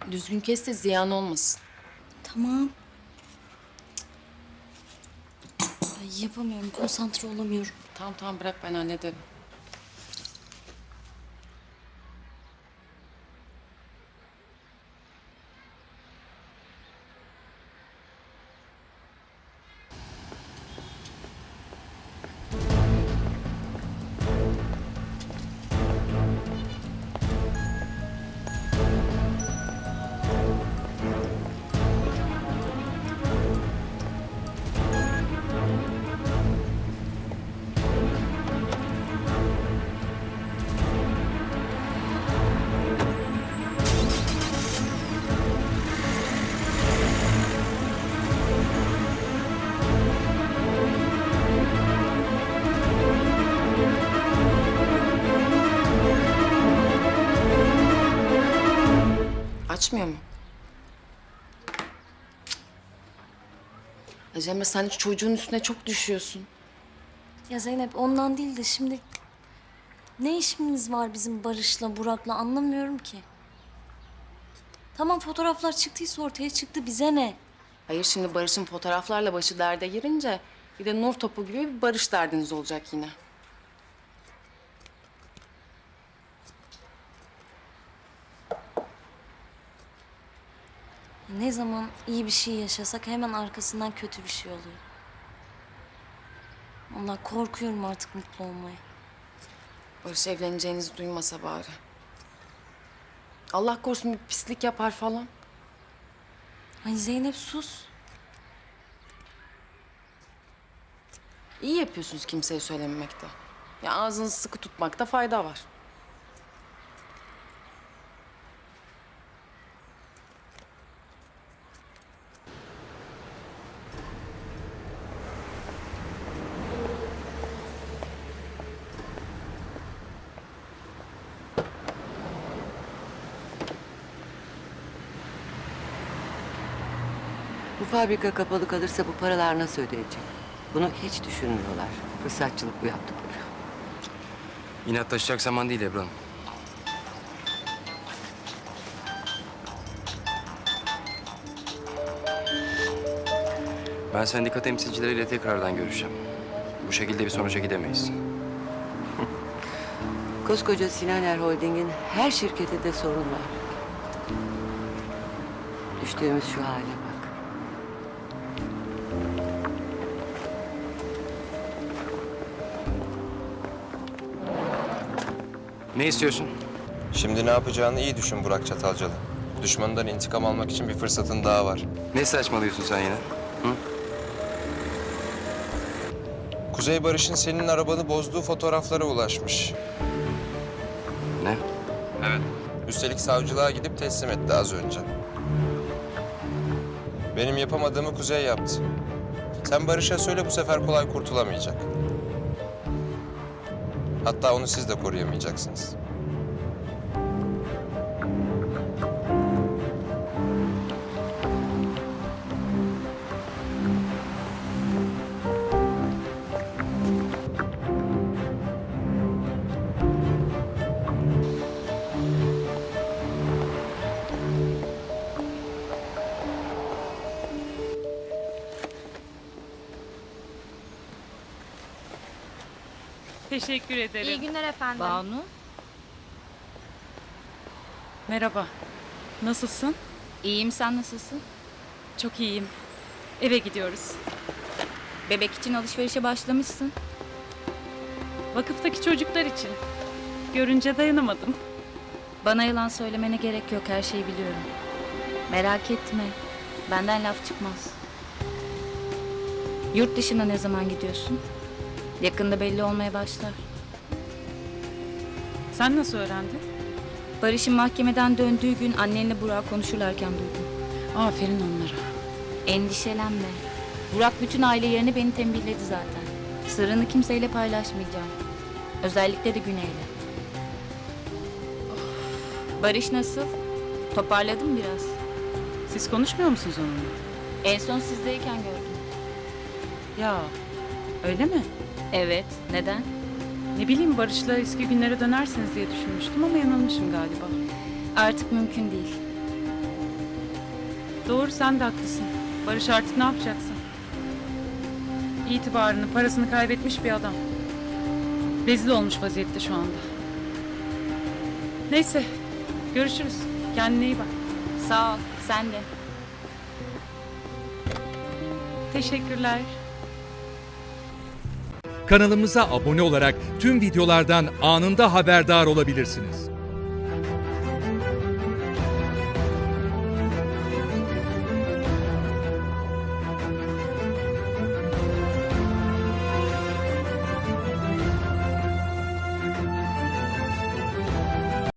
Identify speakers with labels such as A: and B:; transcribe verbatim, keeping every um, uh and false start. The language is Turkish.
A: Düzgün kes de ziyan olmasın.
B: Tamam. Ay, yapamıyorum, konsantre olamıyorum.
A: Tamam tamam bırak ben hallederim. Açmıyor mu? Ya Cemre sen çocuğun üstüne çok düşüyorsun.
B: Ya Zeynep, ondan değil de şimdi... Ne işimiz var bizim Barış'la, Burak'la, anlamıyorum ki. Tamam, fotoğraflar çıktıysa ortaya çıktı, bize ne?
A: Hayır şimdi Barış'ın fotoğraflarla başı derde girince bir de nur topu gibi bir Barış derdiniz olacak yine.
B: Ne zaman iyi bir şey yaşasak hemen arkasından kötü bir şey oluyor. Allah, korkuyorum artık mutlu olmaya.
A: Barış evleneceğinizi duymasa bari. Allah korusun bir pislik yapar falan.
B: Ay Zeynep, sus.
A: İyi yapıyorsunuz kimseye söylememekte. Ya ağzınızı sıkı tutmakta fayda var.
C: Bu fabrika kapalı kalırsa bu paralar nasıl ödenecek? Bunu hiç düşünmüyorlar. Fırsatçılık bu yaptıkları.
D: İnatlaşacak zaman değil Ebru Hanım. Ben sendika temsilcileriyle tekrardan görüşeceğim. Bu şekilde bir sonuca gidemeyiz.
C: Koskoca Sinaner Holding'in her şirketinde sorun var. Düştüğümüz şu hale bak.
D: Ne istiyorsun?
E: Şimdi ne yapacağını iyi düşün Burak Çatalcalı. Düşmanından intikam almak için bir fırsatın daha var.
D: Ne saçmalıyorsun sen yine? Hı?
E: Kuzey Barış'ın senin arabanı bozduğu fotoğraflara ulaşmış.
D: Ne?
E: Evet. Üstelik savcılığa gidip teslim etti az önce. Benim yapamadığımı Kuzey yaptı. Sen Barış'a söyle, bu sefer kolay kurtulamayacak. Hatta onu siz de koruyamayacaksınız.
F: Teşekkür ederim.
G: İyi günler efendim.
F: Banu. Merhaba. Nasılsın?
G: İyiyim, sen nasılsın?
F: Çok iyiyim. Eve gidiyoruz.
G: Bebek için alışverişe başlamışsın.
F: Vakıftaki çocuklar için. Görünce dayanamadım.
G: Bana yalan söylemene gerek yok, her şeyi biliyorum. Merak etme, benden laf çıkmaz. Yurt dışına ne zaman gidiyorsun? Yakında belli olmaya başlar.
F: Sen nasıl öğrendin?
G: Barış'ın mahkemeden döndüğü gün annenle Burak konuşurlarken duydum.
F: Aferin onlara.
G: Endişelenme. Burak bütün aile yerini beni tembihledi zaten. Sırrını kimseyle paylaşmayacağım. Özellikle de Güney'le. Barış nasıl? Toparladın mı biraz?
F: Siz konuşmuyor musunuz onunla?
G: En son sizdeyken gördüm.
F: Ya, öyle mi?
G: Evet, neden?
F: Ne bileyim, Barış'la eski günlere dönersiniz diye düşünmüştüm ama yanılmışım galiba.
G: Artık mümkün değil.
F: Doğru, sen de haklısın. Barış artık ne yapacaksın? İtibarını, parasını kaybetmiş bir adam. Rezil olmuş vaziyette şu anda. Neyse, görüşürüz. Kendine iyi bak.
G: Sağ ol, sen de.
F: Teşekkürler.
H: Kanalımıza abone olarak tüm videolardan anında haberdar olabilirsiniz.